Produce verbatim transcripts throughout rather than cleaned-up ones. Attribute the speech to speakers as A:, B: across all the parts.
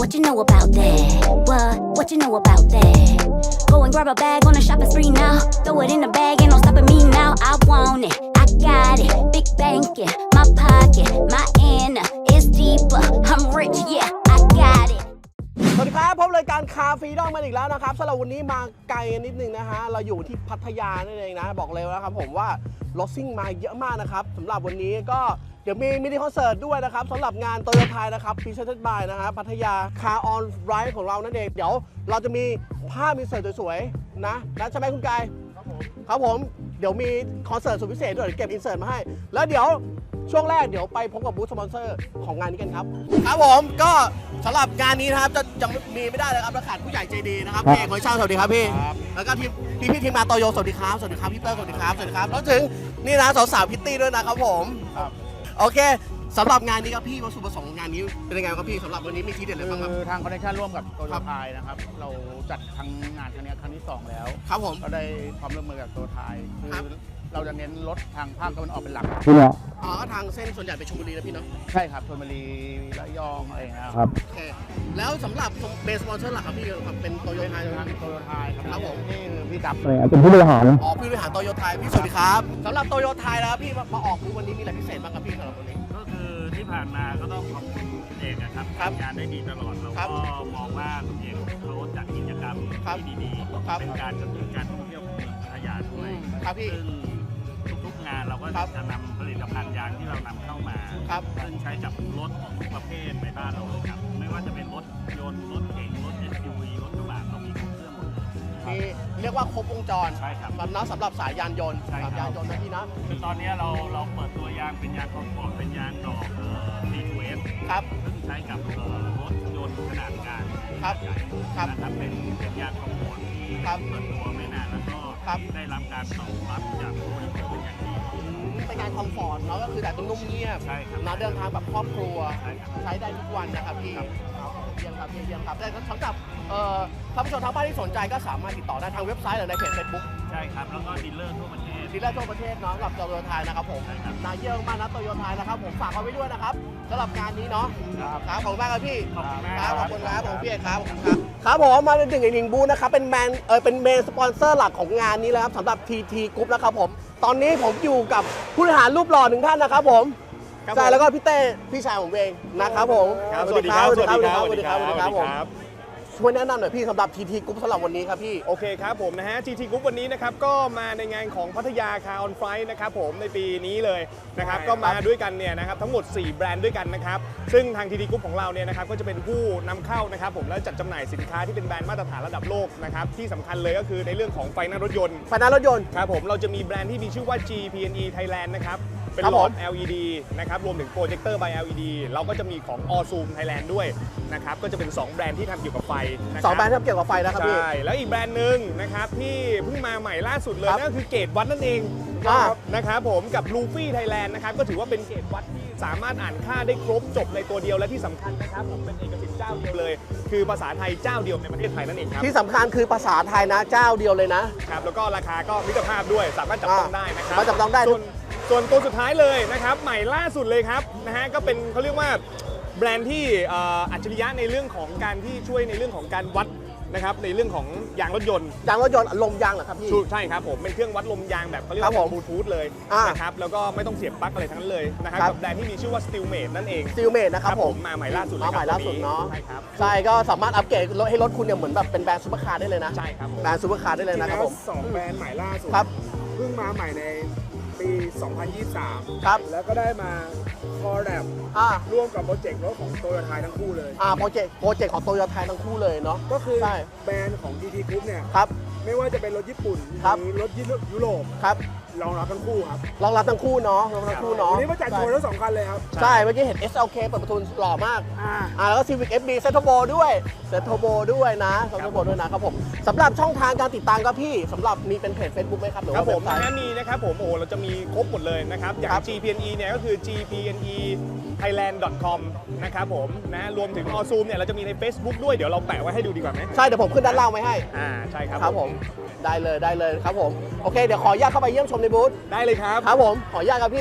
A: What you know about that? What? What you know about that? Go and grab a bag on a shopping spree now. Throw it in the bag, ain't no stopping me now. I want it, I got it. Big banking, my pocket, my inner is deeper. I'm rich, yeah, I got it.
B: สวัสดีครับพบรายการคาฟรีดอมมาอีกแล้วนะครับสำหรับวันนี้มาไกลนิดนึงนะฮะเราอยู่ที่พัทยานั่นเองนะบอกเลยนะครับผมว่ารถซิ่งมาเยอะมากนะครับสำหรับวันนี้ก็เดี๋ยวมีมินิคอนเสิร์ตด้วยนะครับสำหรับงานโตโยต้านะครับพรีเซนต์บายนะฮะพัทยาคาร์ออนไรด์ของเรานั่นเองเดี๋ยวเราจะมีภาพมินิคอนเสิร์ตสวยๆนะนะใช่ไหมคุณกายครับผมครับผมเดี๋ยวมีคอนเสิร์ตสุดพิเศษด้วยเดี๋ยวเก็บอินเสิร์ตมาให้แล้วเดี๋ยวช่วงแรกเดี๋ยวไปพบกับบูธสปอนเซอร์ของงานนี้กันครับครับผมก็สำหรับงานนี้นะครับจะยังมีไม่ได้เลยครับเราขาดผู้ใหญ่ใจดีนะครับพี่เอกหอยช่างสวัสดีครับพี่แล้วก็ทีมพี่พี่ทีมงานโตโยสวัสดีครับสวัสดีครับพี่เตอร์สวัสดีครับสวัสดีครับแล้วถึงนี่นะสาวๆพิตตี้ด้วยนะครับผมโอเคสำหรับงานนี้ครับพี่วัตถุประสงค์ของงานนี้เป็นยังไงครับพี่สำหรับวันนี้มีทีเด็ดอะไรบ้างครับ
C: คือทางคอนเนคชั่นร่วมกับโตโยต้านะครับเราจัดทางงานครั้งนี้ครั้งที่สองแล้ว
B: ครับผม
C: ก็ได้ความร่วมมือกับโตโยต้าคือเราจะเน้นรถทางภาคตะวันออกเป็นหลัก
D: พี่เนี่ย
B: อ๋อทางเส้นส่วนใหญ่เป็นชลบุรีนะพี่เนาะ
C: ใช่ครับชลบุรีระยองอะไร
D: ครับ
B: โอเคแล้วสำหรับเบสสปอนเซอร์หลักครับพี่ครับเป็นโตโยต้า
C: ทางโตโยต้า
B: ครับผม
C: นี่คือพี่กับ
D: เป็นผู้บริหาร
B: อ๋อผู้บริหารโตโยต้าพี่สวัสดีครับสำหรับโตโยต้าแล้วพี่มาออกคือวันนี้มีอะไรพิเศษบ้างครับพี่สำหรับวันนี้
E: ก็คือที่ผ่านมาก็ต้องขอบคุณคุณเอกนะครับทำงานได้ดีตลอดเราก็มองว่าคุณเอกเขาจัดกิจกรรมที่ดีๆเป็นการกระตุ้นการท่องเที่ยวของเมืองพัทยาด้วย
B: ครับพี่
E: ซึ่งทุกๆงานเราก็จะนำผลิตภัณฑ์ยางที่เรานำเข้ามาซึ่งใช้กับรถของทุกประเภทในบ้านเราเลยครับไม่ว่าจะเป็นรถยนต์รถเก๋งรถ เอส ยู วี รถกระบะเรามีครบเครื่องหมดเลย
B: มีเรียกว่าครบวงจร
E: ใช่ครับ
B: สำหรับสำหรับสายยานยนต์สายยานยนต์นะพี่นะ
E: คือตอนนี้เราเราเปิดตัวยางเป็นยางคอมฟอร์ตเป็นยางดอกเอ่อ ซี ทู เอส
B: ครับ
E: ซึ่งใช้กับรถยนต์ขนาดกลาง
B: ครับ
E: ครับนะครับเป็นเป็นยางคอมฟอร์ตที่เปิดตัวไม่นานแล้วก็ได้รับการตอบรับจากผู้บริโภคเป็นอย่างดี
B: เป็นการคอมฟอร์ตเนาะก็คือแต่ต้องนุ่มเงียบนะเดินทางแบบครอบครัวใช้ได้ทุกวันนะครับพี่เยี่ยมครับเยี่ยมครับแต่สำหรับท่านผู้ชมทางบ้านที่สนใจก็สามารถติดต่อได้ทางเว็บไซต์หรือในเพจเฟซบุ๊ก
E: ใช่ครับแล้วก็ดีลเลอร์ทั่วประเทศ
B: ดีลเลอร์ทั่วประเทศเนาะสำหรับโตโยต้านะครับผมนายเยี่ยมมากนะโตโยต้านะครับผมฝากเอาไว้ด้วยนะครับสำหรับงานนี้เนาะครับขอบคุณมากครับพี่ครับขอบคุณครับผมพี่เอกครับขอบคุณครับครับผมมาถึงอีกหนึ่งบูธนะครับเป็นแมนเออเป็นเมนสปอนเซอร์หลักของงานนี้แล้วครับสำหรับ ที ที Group นะครับผมตอนนี้ผมอยู่กับผู้บริหารรูปหล่อหนึ่งท่านนะครับผมใช่แล้วก็พี่เต้พี่ชายผมเองนะครับผม
F: สวัสดีครับสวัสดีครับ
B: สวัสดีครับสวัสดีครับผมช่วยแนะนำหน่อยพี่สำหรับ ที ที Group สำหรับวันนี้ครับพี่
F: โอเคครับผมนะฮะ ที ที Group วันนี้นะครับก็มาในงานของพัทยาคาร์ออนไฟท์นะครับผมในปีนี้เลยนะครับก็มาด้วยกันเนี่ยนะครับทั้งหมดสี่แบรนด์ด้วยกันนะครับซึ่งทาง ที ที Group ของเราเนี่ยนะครับก็จะเป็นผู้นำเข้านะครับผมแล้วจัดจำหน่ายสินค้าที่เป็นแบรนด์มาตรฐานระดับโลกนะครับที่สำคัญเลยก็คือในเรื่องของไฟหน้ารถยนต์
B: ไฟหน้ารถยนต์
F: ครับผมเราจะมีแบรนด์ที่มีชื่อว่า จี พี เอ็น อี Thailand นะครับเป็นหลอด แอล อี ดี นะครับรวมถึงโปรเจคเตอร์ by แอล อี ดี เราก็จะมีของ Allzoom Thailand ด้วยนะครับก็จะเป็นสองแบรนด์ที่ทำเกี่ยวกับไฟ
B: สองแบรนด์ที่ทำเกี่ยวกับไฟนะครับพี่
F: ใช่แล้วอีกแบรนด์หนึ่งนะครับที่เพิ่งมาใหม่ล่าสุดเลยนั่นก็คือเกตวัดนั่นเองนะครับผมกับลูฟี่ไทยแลนด์นะครับก็ถือว่าเป็นเกตวัดที่สามารถอ่านค่าได้ครบจบในตัวเดียวและที่สำคัญนะครับผมเป็นเอกสิทธิ์เจ้าเดียวเลยคือภาษาไทยเจ้าเดียวในประเทศไทยนั่นเองครับ
B: ที่สำคัญคือภาษาไทยนะเจ้าเดียวเลยนะครับ
F: แล้วก็ราคาก็มิตรภาพด้วยสามารถจับต้องได้นะครับ
B: จับต้องได้
F: ส่วนตัวสุดท้ายเลยนะครับใหม่ล่าสุดเลยครับนะฮะก็เป็นเขาเรียกว่าแบรนด์ที่อัจฉริยะในเรื่องของการที่ช่วยในเรื่องของการวัดนะครับในเรื่องของยางรถยนต์
B: ยางรถยนต์ลมยางเหรอครับพี่
F: ใช่ครับผมเป็นเครื่องวัดลมยางแบบเขาเรียกว่าบลูทูธเลยนะครับแล้วก็ไม่ต้องเสียบปลั๊กอะไรทั้งนั้นเลยนะครับกับแบรนด์ที่มีชื่อว่า Steelmate นั่นเอง
B: Steelmate นะครับผม
F: มาใหม่ล่าสุด
B: มาใหม่ล่าสุดเนาะ
F: ใช่ครับ
B: ใช่ก็สามารถอัปเกรดให้รถคุณเนี่ยเหมือนแบบเป็นแบรนด์ซุปเปอร์คาร์ได้เลยนะ
F: ใช่ครับ
B: แบรนด์ซุปเปอร์คาร์ได้เลยนะครับผม
G: สองแบรนด์ใหม่ล่าสุด
B: ครับ
G: เพิ่งมาใหม่ในปีสองพันยี่สิบสาม
B: ครับ
G: แล้วก็ได้มาคอลแลบร่วมกับโปรเจกต์รถของโตโยต้าทั้งคู่เลย
B: อ่าโปรเจกต์โปรเจกต์ของโตโยต้าทั้งคู่เลยเนาะ
G: ก็คือแบรนด์ของ ที ที Group เนี่ย
B: ครับ
G: ไม่ว่าจะเป็นรถญี่ปุ่นหรือรถยุโรป
B: ครับ
G: รองรับทั้งคู่ครับ
B: รองรับทั้งคู่เนาะรองรับทั้งคู่เนาะ
G: วันนี้มาจัดโชว์ทั้งสองคันเลยครับ
B: ใช่เมื่อกี้เห็น เอส แอล เค เปิดประตูหล่อมากอ่าแล้วก็ Civic เอฟ บี เซตโทโบด้วยเซตโทโบด้วยนะเซตโทโบด้วยนะครับผมสำหรับช่องทางการติดตามครับพี่สำหรับมีเป็นเพจ Facebook ไหมครับหรือ
F: ว่าผมนะมีนะครับผมโอ้เราจะมีครบหมดเลยนะครับอย่าง จี พี เอ็น อี เนี่ยก็คือ จี พี เอ็น อี ไทยแลนด์ ดอท คอม นะครับผมนะรวมถึง Allzoom เนี่ยเราจะมีใน Facebook ด้วยเดี๋ยวเราแปะไว้ให้ดูดีกว่าไหม
B: ใช่เดี๋ยวผมขึ้นด้านล่างไว้ให้
F: อ่าใช่ครับ
B: ครับผมได้เลยได้เลยครับผมโอเคเดี๋ยวขออนุญาตเข้าไปเยี่ยมชมในบูธ
F: ได้เลยครับ
B: ครับผมขออนุญาตครับพี่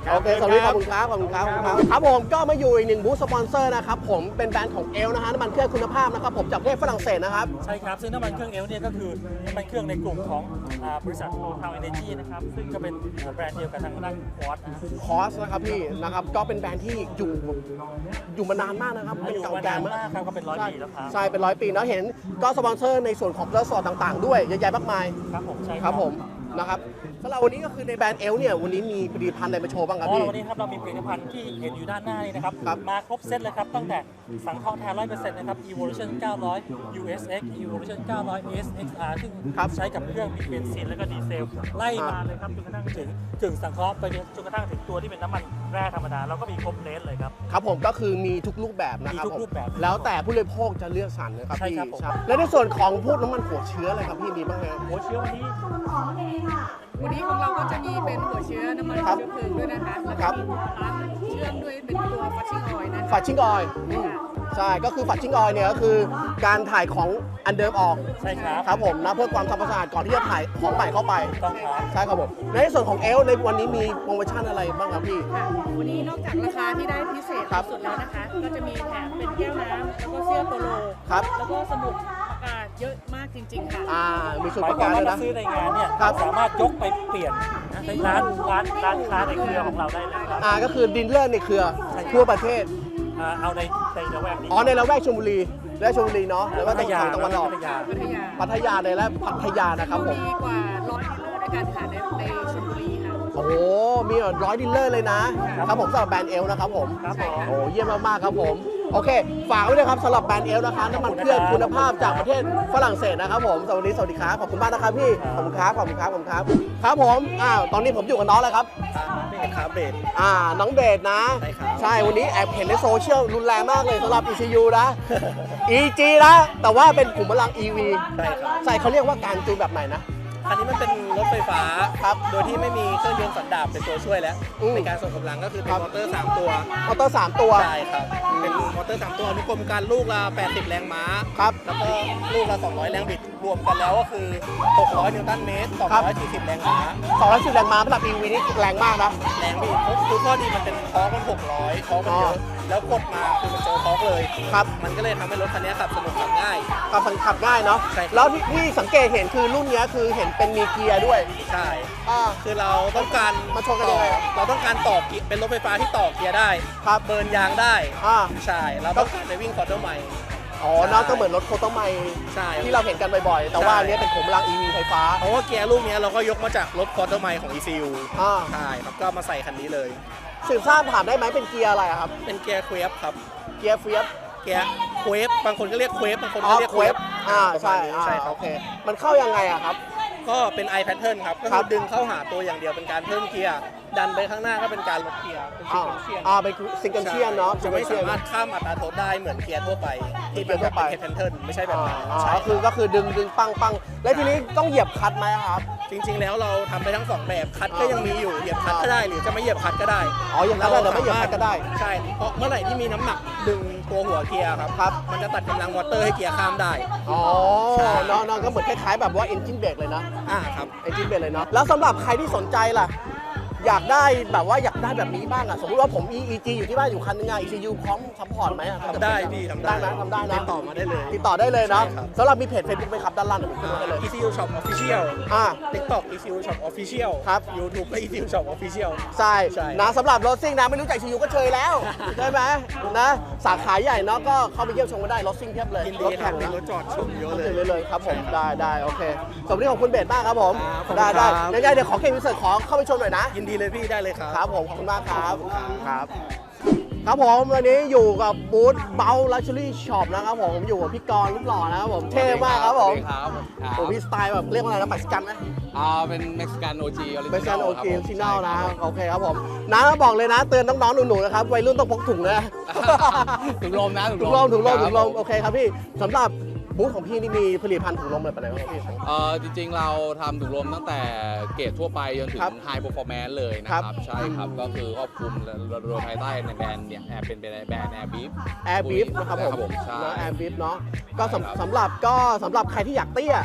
B: โอเคสวัสดีขอบคุณครับขอบคุณครับขอบคุณครับครับผมก็มาอยู่อีกหนึ่งบูธสปอนเซอร์นะครับผมเป็นแบรนด์ของเอลนะฮะน้ำมันเครื่องคุณภาพนะครับผมจากประเทศฝรั่งเศสนะครับ
D: ใช่ครับซึ่งน้ำมันเครื่องเอลเนี่ยก็คือน้ำมันเครื่องในกลุ่มของอ่าบริษัทโททาวเอเนจีนะครับซึ่งก็เป็นแบรนด์เดียวกับทางด้านคอร์สนะ
B: คอสนะครับพี่นะครับก็เป็นแบรนด์ที่อยู่อยู่มานานมากนะครับเป็น
D: อยู่
B: เก่า
D: มา
B: แก่
D: นาน
B: มาก
D: มากครับก็เป็นร้อยปีแล้วครับ
B: ใช่เป็นร้อยปีแล้วเห็นก็สปอนเซอร์ในส่วนของเลือดสอดต่างๆ ด้วยเยอะแยะมากมาย
D: ครับผมใช่
B: ครับผมนะครับสำหรับวันนี้ก็คือในแบรนด์เอลเนี่ยวันนี้มีผลิตภัณฑ์อะไรมาโชว์บ้างครับ
D: อ๋อ
B: พี่
D: วันนี้ครับเรามีผลิตภัณฑ์ที่เห็นอยู่ด้านหน้านี่นะครับ
B: ครับ
D: มาครบเซตเลยครับตั้งแต่สังเคราะห์แท้ ร้อยเปอร์เซ็นต์ นะครับ Evolution เก้าร้อย ยู เอส เอ็กซ์ Evolution เก้าร้อย เอส เอ็กซ์ อาร์ ซึ่ง
B: ครับ
D: ใช้กับเครื่องมีเบนซินแล้วก็ดีเซลไล่มาเลยครับจนกระทั่งถึงกึ่งสังเคราะห์ไปจนกระทั่งถึงตัวที่เป็นน้ำมันแร่ธรรมดาเราก็มีครบเลนเลยครับ
B: ครับผมก็คือมีทุกรูปแบบนะครับ
D: มีทุกรูปแบบ
B: ผมแล้วแต่ผู้บริโภคจะเลือกสรรนะครับ
D: ใช่
B: พี่
D: ครับผม
B: ใช่แล้วในส่วนของพวกน้ำมันหัวเชื้ออะไรครับพี่มีบ้างไหม
D: หัวเชื้อวันนี้
H: วันนี้ของเราก็จะมีเป็นหัวเชื้อน้ำมัน
B: ครับ
H: เชื้อเพลิงด้วยนะคะ แล้ว
B: ครั
H: ก็
B: บ
H: มีร้านเชื่อมด้วยเป็นตัวฟัชชิ่งออยล์นะคะ
B: ฝัดชิ่งออยล์อืมใช่ก็คือฝัดชิ่งออยล์เนี่ยก็คือการถ่ายของอันเดิมออก
D: ใช่ครับ
B: ครับผมนะเพื่อความทำความสะอาดก่อนที่จะถ่ายของใหม่เข้าไป
D: ต้องครับ
B: ใช่ครับผมในส่วนของเอลในวันนี้มีโปรโมชั่นอะไรบ้างครับพี่
H: ค่ะวันนี้นอกจากราคาที่ได้พิเศษ
B: ครับ
H: สุดแล้วนะคะ ก็จะมีแถมเป็นแก้วน้ำแล้วก็เสื้อโปโล
B: ครับ
H: แล้วก็สมุดประกาศเยอะมากจริง ๆ ค่ะ
B: อ่ามีส่วน
D: ห
B: ป
D: มาย
B: ระ
D: ควา
B: กั
D: ม
B: น
D: ว่า
B: ด้วยนะ
D: ถ้าซื้อในงานเนี่ย
B: ครับ
D: สามารถยกไปเปลี่ยนในร้านร้านร้านค้าในเครือของเราได้เลยครับ
B: อ่าก็คือดินเลอร์ในเครือทั่วประเทศ
D: อ่าเอาในในระแวกนี้
B: อ๋อในละแวกชลบุรีและชลบุรีเนาะแล้วก็ตรงทางตะวันออก
D: พัทยา
H: พัทยา
B: พัทยาในและพัทยานะครับผม
H: มีกว่าร้อยดีลเลอร์ด้วยกันค่ะในในชลบุรีค่ะ
B: โอ้โหมีร้อยดิลเลอร์เลยนะ ครับผมสำหรับแบรนด์เอลนะครับผม
D: ครับผม
B: โอ้เยี่ยมมากๆครับผม โอเค ฝากไว้ด้วยครับสำหรับแบรนด์เอลนะคะน้ำมันเครื่องคุณภาพจากประเทศฝรั่งเศสนะครับผมสวัสดีสวัสดีครับขอบคุณมากนะครับพี่ขอบคุณครับขอบคุณครับขอบคุณครับครับผมอ้าวตอนนี้ผมอยู่กับน้องแล้วครับ
C: เบสครับเบส
B: อ่าน้องเบสนะ
C: ใช่ครับ
B: ใช่วันนี้แอบเห็นในโซเชียลรุนแรงมากเลยสำหรับ อี ซี ยู นะ อี จี นะแต่ว่าเป็นขุมพลัง อี วี
C: ใช่ครับ
B: ใช่เขาเรียกว่าการจูนแบบไหนนะ
C: คันนี้มันเป็นรถไฟฟ้า
B: ครับ
C: โดยที่ไม่มีเครื่องยนต์สันดาปเป็นตัวช่วยแล้ว
B: อืม
C: ในการส่งกำลังก็คือเป็
B: ครั
C: น
B: บ
C: มอเตอร์สามตัว
B: มอเตอร์สามตัว
C: ใช่ครับ เป็นมอเตอร์สามตัวอนุกรมการลูกละแปดสิบแรงม้า
B: ครับ
C: แล้วก็ลูกละสองร้อยแรงบิดรวมกันแล้วก็คือหกร้อยนิวตันเมตรสองร้อยสี่สิบแรงม้า
B: สองร้อยสิบแรงม้าสำหรับ อี วี นี่แรงมากนะ
C: แรงบิดคือข้อดีมันเป็นทอร์กมันหกร้อยทอร์กมันเย
B: อ๋
C: อะ
B: อ
C: แล้วกดมาคือมันเจอทอร์กเลย
B: ครับ
C: มันก็เลยทำให้รถคันนี้ขับสนุกขับง่าย
B: ขับขับง่ายเนาะ
C: ใช่ครับ
B: แล้วที่ที่สังเกตเห็นคือรุ่นเนี้ยคือเห็นเป็นมีเกียร์ด้วย
C: ใช่
B: อ่า
C: คือเราต้องการ
B: มาชนกันยังไงอะ
C: เราต้องการต่อเกียร์เป็นรถไฟฟ้าที่ต่อเกียร์ได้
B: ครับ
C: เบิร์นยางได้
B: อ่า
C: ใช่ เราต้องการไปวิ่งคอร์เตอร์ใหม่
B: อ๋อน่าก็เหมือนรถโคตรไม
C: ใช่
B: ที่เราเห็นกันบ่อยๆ แต่ว่า
C: ใช่
B: อันเนี้ยเป็นขุมพลัง อี วี ไฟฟ้า
C: เพราะว่าเกียร์ลูกเนี้ยเราก็ยกมาจากรถคอร์เตอร์ใหม่ของ อี ซี ยู
B: อ่า
C: ใช่ครับก็เอามาใส่คันนี้เลย
B: สืบทราบถามได้ไหมเป็นเกียร์อะไรอะครับ
C: เป็นเกียร์เควฟครับ
B: เกียร์เฟียส
C: เกียร์เควฟบางคนก็เรียกเควฟบางคน
B: อ๋
C: ก็
B: อ
C: เรียก
B: เควฟอ่า
C: ประมา
B: ใช่
C: ณนี้
B: อ่า
C: ใช่ครั
B: โอบ เค มันเข้ายังไงอะครับ
C: ก็เป็น i pattern ครับ ก็
B: ครั
C: คื
B: บ
C: อดึงเข้าหาตัวอย่างเดียวเป็นการเพิ่มเกียร์ ดันไปข้างหน้าก็เป็นการลดเกียร์ เป็นซิ
B: อ่าง
C: เกิลเชียน
B: อ่าเป็นซิงเกิลเชียนเนาะ
C: จะไม่
B: ซิง
C: สา
B: เกิลเชียน
C: มารถข้ามอัตราโทษได้เหมือนเกียร์ทั่วไป ที่เป็น
B: เกียร์ทั่
C: แบบ
B: วไป
C: เป็น pattern ไม่ใช่แบบ
B: อ่า
C: นั้น
B: อ่า
C: ใช่
B: ก็คือก็คือดึงดึงปังปังแล้วทีนี้ต้องเหยียบคลัตช์ไหมครับ
C: จริง ๆ แล้วเราทำไปทั้งสองแบบคัดก็
B: อ่ายั
C: ยังมีอยู่เหยียบคัดก็ได้หรือจะไม่เหยียบคัดก็ได้
B: อ๋อเหยียบคัดได้หรือไม่เหยียบคัดก็ได้
C: ใช่เพราะเมื่อไหร่ที่มีน้ำหนักดึงตัวหัวเกียร์ครับ
B: ครับ
C: มันจะตัดกำลังมอเตอร์ให้เกียร์ข้ามได้
B: อ๋อ
C: ใช่
B: เนาะเนาะก็เหมือนคล้ายๆแบบว่า engine brake เลยนะ
C: อ่าครับ
B: engine brake เลยเนาะแล้วสำหรับใครที่สนใจล่ะ อยากได้แบบว่าอยากได้แบบนี้บ้างอะสมมติว่าผม อี จี อยู่ที่บ้านอยู่คันนึงอะ อี ซี ยู พร้อมซัพพอร์ตไหมอะ
C: ทำได้พี่ทำได้
B: ได้นะทำได้นะ
C: ติดต่อมาได้เลย
B: ติดต่อได้เลยเนาะ
C: ใช่ครับ
B: สำหรับมีเพจ Facebook ไหมครับด้านล่างเดี๋ยวผมขึ้นไว้ให้เลย
C: อี ซี ยู Shop Official
B: อ่า
C: TikTok อี ซี ยู Shop Official
B: ครับ
C: YouTube ก็ อี ซี ยู Shop Official
B: ใช่
C: ใช่
B: นะสำหรับรถซิ่งนะไม่รู้จัก อี ซี ยู ก็เชยแล้ว ใช่ไหมนะสาขาใหญ่เนาะก็เข้าไปเยี่ยมชมกันได้รถซิ่งเพียบเลย
C: ยินดี
B: รถ
C: ครั
B: แข่
C: บ
B: ง
C: มี
B: นะ
C: รถจอดชมเยอะ
B: รถ
C: เลย
B: เต็มเลยครับผม
C: ใช่ครับ
B: ได้ได้โอเคสวัสดีของคุณเบสมากครับผม
C: ครับขอบคุณ
B: ได้ได้
C: ครับ
B: ยังไงเดี๋ยวขอเคมิเซอร์ขอเข้าไปชมหน่อยนะ
C: ยินดีเลยพี่ได้เลยครับ
B: ครับผมขอบคุณมากครับครับ ครับผมวันนี้อยู่กับบูธเบลลักชัวรี่ช็อปนะครับผมอยู่กับพี่กรณ์รูปหล่อนะครับผมเท่มากครับผม
I: ครับ
B: โอ้พี่สไตล์แบบเรียกว่าอะไรนะปัสกันไหม
I: อ่าเป็นเม็กซิกันโอจีออริจินอล
B: เป็นการโอเคชินอลนะ
I: ใช่ครับ
B: โอเคครับผมน้าบอกเลยนะเตือนน้องๆหนูๆนะครับวัยรุ่นต้องพกถุงนะ
I: ถุงลมนะ
B: ถุงลมถุงลมถุงลม
I: ครับ
B: โอเคครับพี่สำหรับบูธของพี่นี่มีผลิตภัณฑ์ถุงลมอะไรไปไหนบ้างครับพี่
I: เอ่อจริงๆเราทำถุงลมตั้งแต่เกรดทั่วไปจนถึง
B: ครับ
I: ไฮเปอร์ฟอร์แมนซ์เลยนะค
B: ครั
I: รับ บ ใช่ครับ ก็คือครอบคลุมโดยภายใต้ในแบรนด์เนี่ยแอบเป็นแบรนด์แบรนด์แอร์บีฟ
B: แอร์บีฟนะครับผม
I: ใช่
B: แอร์บีฟเนาะก็
I: ใช่ครับ
B: สำสำหรับก็สำหรับใครที่อยากเตี้ย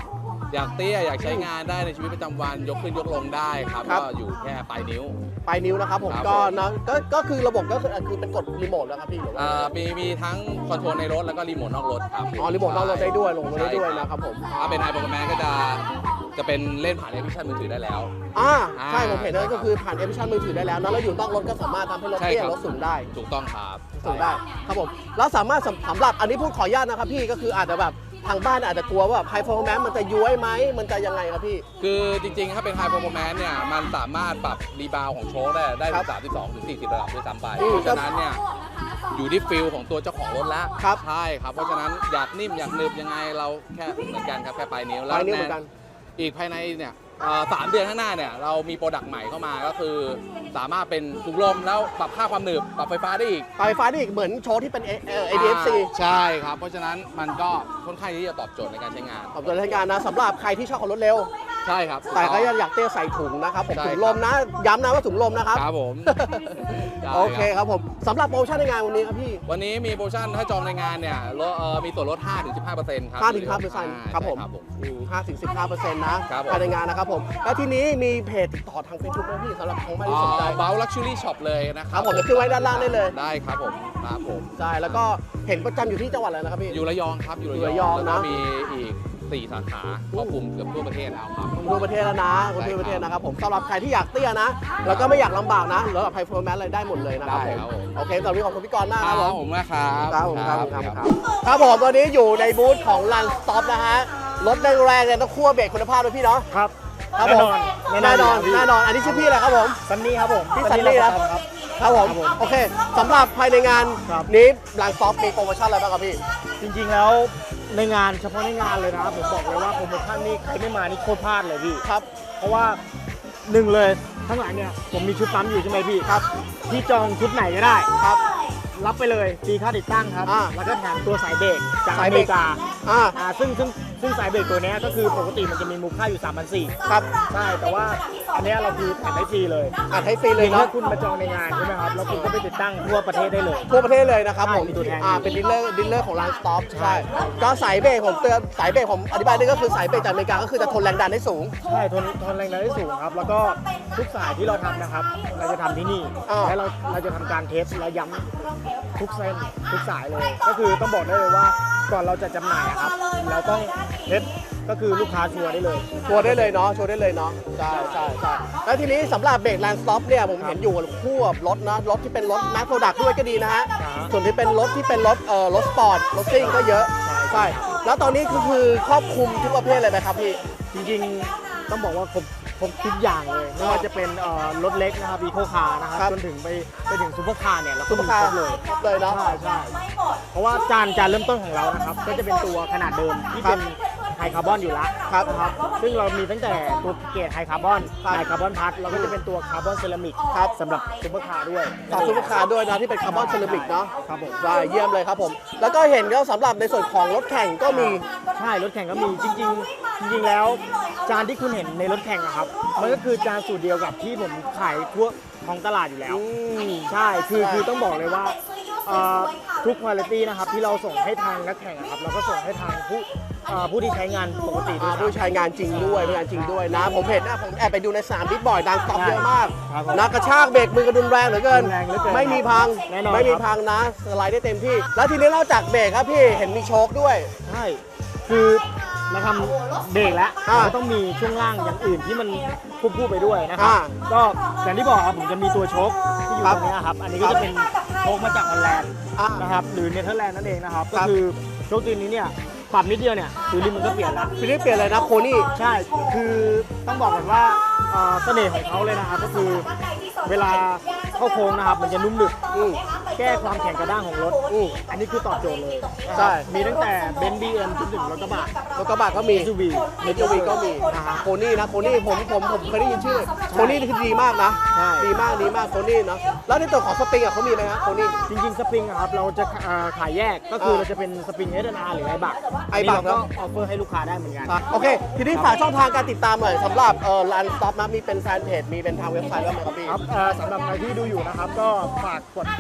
I: อยากเตี้ยอยากใช้งานได้ในชีวิตประจำวันยกขึ้นยกลงได้ครับ
B: ครับ
I: ก็อยู่แค่ปลายนิ้ว
B: ปลายนิ้วนะครับผม
I: ครับ
B: ก็
I: ผม
B: นะก็ก็คือระบบก็คือคือเป็นกดรีโมทนะครับพี่หรือว่า
I: อ่ามีมีทั้งคอนโทรลในรถแล้วก็รีโมทนอกรถครับ
B: อ๋อรีโมทนอกรถได้ด้วยลงรถได้ด้วย
I: ใช่
B: นะครับผม
I: ถ้าเป็นไฮโปรแกรมก็จะจะเป็นเล่นผ่านแอปพลิเคชันมือถือได้แล้ว
B: อ่า
I: อ่า
B: ใช่ผมเห็นนั่นก็คือผ่านแอปพลิเคชันมือถือได้แล้วนะแล้วอยู่นอกรถก็สามารถทำให้รถ
I: ใช่
B: เตี้ย
I: ครับ
B: รถสูงได้
I: ถูกต้องครับ
B: สูงได้ครับผมแล้วสามารถสำสำหรับอันนี้พูดขออนุญาตนะครับพี่ก็คืออาจจะแบบทางบ้านอาจจะกลัวว่าแบบไฮโฟร์แมนมันจะย้วยไหมมันจะยังไงครับพี่
I: คือจริงๆ ถ้าเป็นไฮโปรแกรมเนี่ยมันสามารถปรับรีบาวของโชคได้ได้
B: ครั
I: ถึ
B: บ
I: งสามสิบสองถึงสี่สิบระดับด้วยซ้ำไป
B: อืม
I: เพราะฉะนั้นเนี่ยอยู่ที่ฟิลของตัวเจ้าของรถแล้ว
B: ครับ
I: ใช่ครับเพราะฉะนั้นอยากนิ่มอยากหนึบยังไงเราแค่เหมือนกันครับแค่ปลายนิ้ว
B: ปลายนิ้วเหมือนกัน
I: อีกภายในเนี่ยเอ่อสามเดือนข้างหน้าเนี่ยเรามีโปรดักต์ใหม่เข้ามาก็คือ สามารถเป็นถุงลมแล้วปรับค่าความหนืบปรับไฟฟ้าได้อีก
B: ไฟฟ้านี่อีกเหมือนโชว์ที่เป็น เอ ดี เอฟ ซี
I: ใช่ครับ เพราะฉะนั้นมันก็ค่อนข้างที่จะตอบโจทย์ในการใช้งาน
B: ขอบคุณทางการนะสำหรับใครที่ชอบขับรถเร็ว
I: ใช่ครับ
B: แต่ก็ยังอยากเตี้ยใส่ถุงนะครับผม
I: ใช่
B: ถุงลมนะย้ำนะว่าถุงลมนะครับ
I: ครับผมได้
B: โอเคครับผมสำหรับโปรโมชั่นในงานวันนี้ครับพี่
I: วันนี้มีโปรโมชั่นถ้าจองในงานเนี่ยลดเอ่อมีส่วนลด ห้าถึงสิบห้าเปอร์เซ็นต์ ครับ
B: ห้าถึงห้าเปอร์เซ็นต์
I: อ่า
B: ครับผม
I: ใช่ครับผม
B: ห้าถึงสิบห้าเปอร์เซ็นต์นะครับ
I: ผม
B: ภายในงานนะครับผม แล้วทีนี้มีเพจติดต่อทางเฟซบุ๊กไหมพี่สำหรับทางบ้านที่สนใจ
I: เบลลักชูรี่ช็อปเลยนะค
B: ค
I: รั
B: รั
I: บบ
B: ผมจะขึ้นไว้ด้านล่างได้เลย
I: ได้ครับผมครับผม
B: ใช่ แล้วก็เห็นประจำอยู่ที่จังหวัดอะไรนะครับพี่
I: อยู่ระยองครับอยู่
B: อยู่ระยอง
I: แล้วก็
B: นะ
I: มีอีกสี่สาขาครอบคลุมเกือบทั่วประเทศแล้วครับ
B: ผมทั่วประเทศแล้วนะคนทั่วประเทศ
I: ได้ครับ
B: นะครับผมสำหรับใครที่อยากเตี้ยนะ แล้วก็ไม่อยากลำบากนะแล้วกับไฮโฟร์แมนอะไรได้หมดเลยนะครับ
I: ได้
B: ผม
I: ครับผม
B: โอเคตอนนี้ขอบคุณพี่กรณ์มาก
I: ค
B: ค
I: รั
B: รั
I: บบ
B: ผม
I: ผมนะครับ
B: ครับผมครับผมครับครับครับผมตอนนี้อยู่ในบูธของ Run Stop นะฮะรถแรงๆเนี่ยต้องคั่วเบรกคุณภาพด้วยพี่เนาะ
F: ครับ
B: ครับผม
F: แน่
B: แน่
F: น
B: น
F: อ
B: อน น
F: พี่
B: แน่นอนอันนี้ชื่อพี่อะไรครับผม
F: ซันนี่ครับผม
B: พี่ซันนี่นะ
F: ครับ
B: ครับผมโอเคสำหรับภายในงาน
F: ครับ
B: นี้หลังซอฟมีโปรโมชั่นอะไรบ้างครับพี่
F: จริงๆแล้วในงานเฉพาะในงานเลยนะครับผมบอกเลยว่าโปรโมชั่นนี้ใครไม่มานี่โคตรพลาดเลยพี่
B: ครับ
F: เพราะว่าหนึ่งเลยข้างหลังเนี่ยผมมีชุดปั๊มอยู่ใช่ไหมพี่
B: ครับ
F: พี่จองชุดไหนก็ได้
B: ครับ
F: รับไปเลยฟรีค่าติดตั้งครับ
B: อ่า
F: แล้วก็แถมตัวสายเบรกจาก
B: สาย
F: อ
B: เบ
F: เม
B: รก
F: ริกา
B: อ่า
F: อ่าซึ่งซึ่งซึ่งสายเบรกตัวเนี้ยก็คือปกติมันจะมีมูลค่าอยู่ สามพันสี่ร้อย
B: ครับ
F: ใช่แต่ว่าอันเนี้ยเราคือแถมให้ฟรีเลย
B: อ่ะให้ฟรีเลย
F: เพียง
B: เนาะ
F: แค่คุณมาจองในงานใช่ไหมครับแล้วคุณก็ไปติดตั้งทั่วประเทศได้เลย
B: ทั่วประเทศเลยนะครับ
F: ใช่
B: ผม
F: มีตัวแทน
B: อ่าเป็นดีลเลอร์ดีลเลอร์ของร้านสต็อป
F: ใช่
B: ใช่ก็สายเบรกผมเตือนสายเบรกผมอธิบายด้วยก็คือสายเบรกจากอเมริกาก็คือจะทนแรงดันได้สูง
F: ใช่ทนทนแรงดันได้สูงครับ แล้วก็ทุกสายที่เราทำนะครับ เราจะทำที่นี่
B: อ่า
F: แล้วเราเราจะทำการเทสและย้ำทุกเส้นทุกสายเลย ก็คือต้องบอกได้เลยว่าก่อนเราจะจำหน่ายอะครับ เราต้องเทสก็คือลูกค้าชัวร์ได้เลย
B: ชัวร์ได้เลยเนาะชัวร์ได้เลยเนาะใช่ใช่ใช่แล้วทีนี้สำหรับเบรกแลนด์สต็อปเนี่ยผมเห็นอยู่คู่กับรถนะรถที่เป็นรถแมสโปรดักด้วยก็ดีนะฮะ
F: ครับ
B: ส่วนที่เป็นรถที่เป็นรถเอ่อรถสปอร์ตรถซิ่งก็เยอะใช่แล้วตอนนี้ก็คือครอบคลุมทุกประเภทเลยไหมครับพี่
F: จริงๆต้องบอกว่าครบครบทุกอย่างเลยไม่ว่าจะเป็นเอ่อรถเล็กนะครับอีโคคาร์นะครับ
B: ครับ
F: จนถึงไปไปถึงซูเปอร์คาร์เนี่ยเราก็
B: ซุปเปอ
F: มี
B: ร์คา
F: คร
B: ร์
F: บเลย
B: ครบเลยเนาะ
F: ใช่ใช่เพราะว่าจานจานเริ่มต้นของเรานะครับ ก็จะเป็นตัวขนาดเดิมที่เป็นไฮคาร์บอนอยู่แล้ว
B: ครับ
F: นะครับซึ่งเรามีตั้งแต่ตัวเกรดไฮคาร์บอน
B: ครับ
F: ไฮคาร์บอนพัทเราก็จะเป็นตัวคาร์บอนเซรามิก
B: ครับ
F: สำหรับซูเปอร์คาร์ด้วย
B: ฝากซุปเปอร์คาร์ด้วยนะที่เป็นคาร์บอนเซรามิกเนาะ
F: ครับผม
B: ใช่เยี่ยมเลยครับผม แล้วก็เห็นก็สำหรับในส่วนของรถแข่งก็มี
F: ใช่รถแข่งก็มีจริง ๆ จริง ๆ แล้ว จานที่คุณเห็นในรถแข่งอะครับ มันก็คือจานสูตรเดียวกับที่ผมขายทั่วท้องตลาดอยู่แล้ว
B: อืม
F: ใช่ คือ คือต้องบอกเลยว่าเอ่อทุกคุณภาพนะครับที่เราส่งให้ทางนักแข่งอะครับ เราก็ส่งให้ทางผู้เอ่อผู้ที่ใช้งานปกติด้ว
B: อ่าย
F: ครับ
B: ผู้ใช้งานจริงด้วยผู้ใช้งานจริงด้วยนะ ผมเห็นนะผมแอบไปดูในสนามบิ๊กบอยดังสต็อปเยอะมาก
F: ครับผม
B: นะกระชากเบรกมือกระดุนแรงเหลือเกิน
F: แรงเหลือเกิน
B: ไม่มีพัง
F: แน่นอน
B: ไม่มี
F: ครับ
B: พังนะสไลด์ได้เต็มที่ แล้วทีนี้นอกจากเบรกครับพี่เห็นมีโชคด้วย
F: ใช่ คือเราทำเบรกแล้ว
B: อ่า
F: เราต้องมีช่วงล่างอย่างอื่นที่มันควบคู่ไปด้วยนะครั
B: อ่า
F: บ ก็อย่างที่บอกครับผมจะมีตัวโชคที่อยู่
B: ครับ
F: ตรงนี้ครับ อันนี้ก็จะเป็นโชคมาจากฮอลแลนด์
B: อ่า
F: นะครับ หรือเนเธอร์แลนด์นั่นเองนะครับ
B: ค
F: ก็
B: รับ
F: คือโชคตัวนี้เนี่ยปรับนิดเดียวเนี่ยคือริมมันก็เปลี่ยนแล้ว
B: ฟิลิปเปลี่ยนเลยนะโคนี่
F: ใช่ คือต้องบอกก่อนว่าเอ่อเสน่ห์ของเขาเลยนะครับก็คือเวลาเข้าโค้งนะครับ มันจะนุ่มหนึบ
B: อืม
F: แก้ความแข็งกระด้างของรถ
B: อืม
F: อันนี้คือตอบโจทย์เลยนะครับ
B: ใช่
F: มีตั้งแต่เบนซ์บีเอ็มจนถึงรถกระบะ
B: รถกระบะก็มี
F: เอส ยู วี
B: เอสยูวีก็มี
F: นะฮะ
B: โคนี่นะโคนี่ผมผมผมเคยได้ยินชื่อโคนี่นี่คือดีมากนะ
F: ใช่
B: ดีมากดีมากโคนี่เนาะแล้วในตัวของสปริงอ่ะเขามีไหมฮะโคนี่
F: จริงๆ สปริงอะครับเราจะเอ่อขายแยกก็คือ
B: อ่า
F: เราจะเป็นสปริง เอส อาร์ หรือไอบัก
B: ไอบัก
F: เราก็
B: เนอะ
F: ออฟเฟอร์ให้ลูกค้าได้เหมือนกัน
B: โอเค ทีนี้ฝากช่องทางการติดตามหน่อยสำหรับเอ่อร้านสต็อปนะมีเป็นแฟนเพจมีเป็นทางเว็บไซต์บ้างไหมครับพี่
F: ครับเอ่อสำหรับใครที่ดูอยู่นะครับ ก็ฝากกดไลค์กดแชร์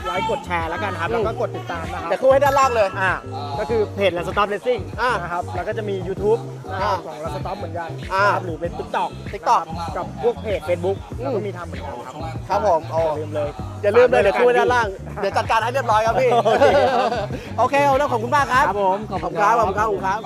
G: แชร์แล้วกันครับ แล้วก็กดติดตามนะครับ
B: เดี๋ยวขึ้นให้ด้านล่างเลย
G: อ่าก็คือเพจ Last Stop Racing
B: อ่า
G: นะครับแล้วก็จะมี YouTube นะครับ
B: อ่า
G: ของ Last Stop เหมือนกัน
B: อ่า
G: นะครับหรือเป็น TikTok
B: TikTok
G: นะครับกับพวกเพจ Facebook แล้วก็มีทำเหมือนกันครับ
B: ครับผมโอ้
G: อย่าลืมเลย
B: อย่าลืมเลยเดี๋ยวขึ้นไว้ด้านล่าง เดี๋ยวจัดการให้เรียบร้อยครับพี่
G: โอเคครับ
B: โอเคเอาแล้วขอบคุณมากครับ
G: ครับผมขอบ
B: ขอบ
G: คุ
B: คุณ ณครับ
G: ค
B: ข
G: รั
B: อบบ คุณครับขอบคุณครับ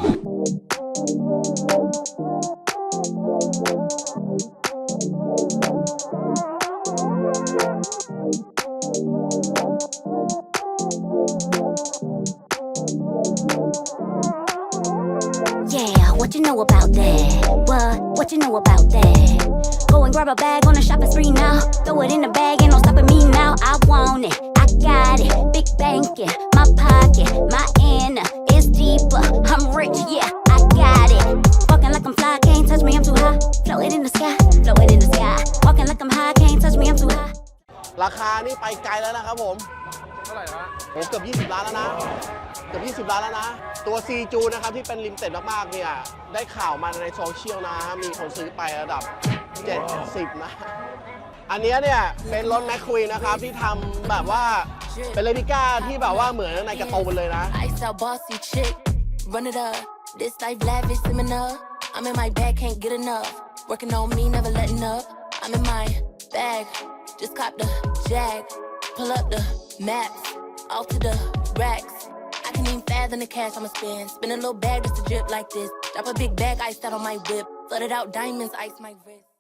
A: Yeah, what you know about that? What? What you know about that? Go and grab a bag on a shopping spree now. Throw it in the bag, ain't no stopping me now. I want it, I got it. Big banking, my pocket, my inner is deeper. I'm rich, yeah, I got it. Walking like I'm fly, can't touch me, I'm too high. Floating in the sky, floating in the sky. Walking like I'm high, can't touch me, I'm too high.
B: ราคานี่ไปไกลแล้วนะครับผม เท่าไหร่ฮะโอ้เกือบยี่สิบล้านแล้วนะ เกือบยี่สิบล้านแล้วนะ ตัว ซี จู นะครับที่เป็นลิมิเต็ดมากๆเนี่ย ได้ข่าวมาในโซเชียลนะฮะมีคนซื้อไประดับ เจ็ดสิบ นะ อันเนี้ยเนี่ยเป็นรถแมคควีนนะครับที่ทำแบบว่าเป็นเรปลิก้าที่แบบว่าเหมือนในการ์ตูนเลยนะ
J: Ice out bossy chick, run it up. This life lavish, seminar. I'm in my bag, can't get enough. Working on me, never letting up. I'm in my bag, just cop the jag. Pull up the maps, off to the racks. I can even fathom the cash I'ma spend. Spin a little bag just to drip like this. Drop a big bag, iced out on my whip. Flooded out diamonds, ice my wrist.